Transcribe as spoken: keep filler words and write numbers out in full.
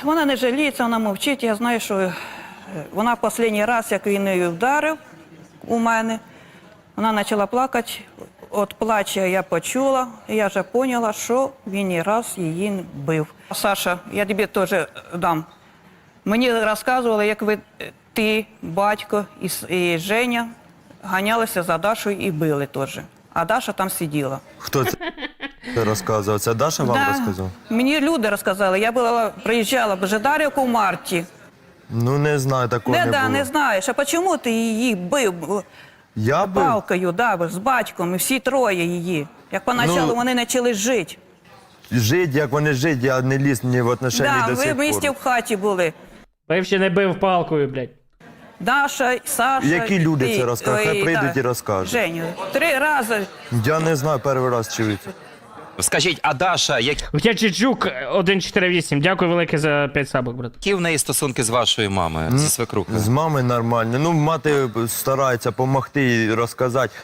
Вона не жаліється, вона мовчить. Я знаю, що вона останній раз, як він її вдарив у мене, вона почала плакати. От плача я почула, і я вже поняла, що він не раз її бив. Саша, я тобі теж дам. Мені розказували, як ви, ти, батько і, і Женя ганялися за Дашою і били теж. А Даша там сиділа. Хто це розказував? Це Даша вам Да, розказав? мені люди розказали. Я була, приїжджала в Жидарівку в марті. Ну не знаю, такого Не, не да, було. не знаєш, а чому ти її бив Я бив? палкою, да, з батьком, і всі троє її. Як поначалу Ну, вони почали жити. Жить, як вони жить, я не ліз ні в отношенні Да, до ви сих в місті пор. в хаті були. Бив чи не бив палкою, блядь. Даша, Саша. Які люди ти, це розкажуть? Хай ой, прийдуть да, і розкажуть. Женю, три рази. Я не знаю, перший раз чую. Скажіть, а Даша, які Хоча Чичук один чотири вісім. Дякую велике за п'ять сабок, брат. в неї стосунки з вашою мамою, зі свекрухою? З мамою нормально. Ну, мати старається допомогти і розказати.